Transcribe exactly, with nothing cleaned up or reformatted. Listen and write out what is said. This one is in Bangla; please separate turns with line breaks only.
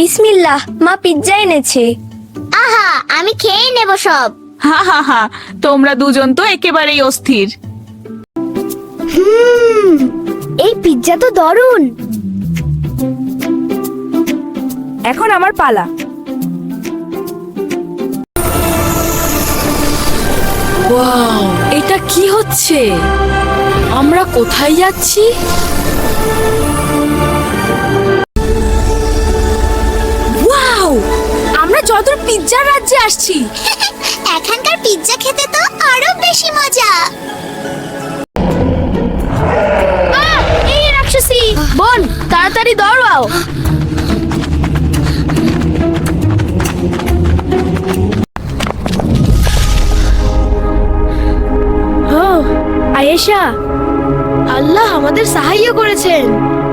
বিসমিল্লাহ, মা পিৎজা এনেছে।
আহা, আমি খেয়ে নেব সব।
হা হা হা, তোমরা দুজন তো একেবারেই অস্থির।
হুম, এই পিৎজা তো দারুণ।
এখন আমার পালা।
ওয়াও, এটা কি হচ্ছে? আমরা কোথায় যাচ্ছি? ওয়াও, আমরা যদুর পিৎজার রাজ্যে আসছি।
এখানকার পিৎজা খেতে তো আরো বেশি মজা।
এই রাক্ষসী বোন, তাড়াতাড়ি দৌড়াও। ও আয়েশা, আল্লাহ আমাদের সাহায্য করেছেন।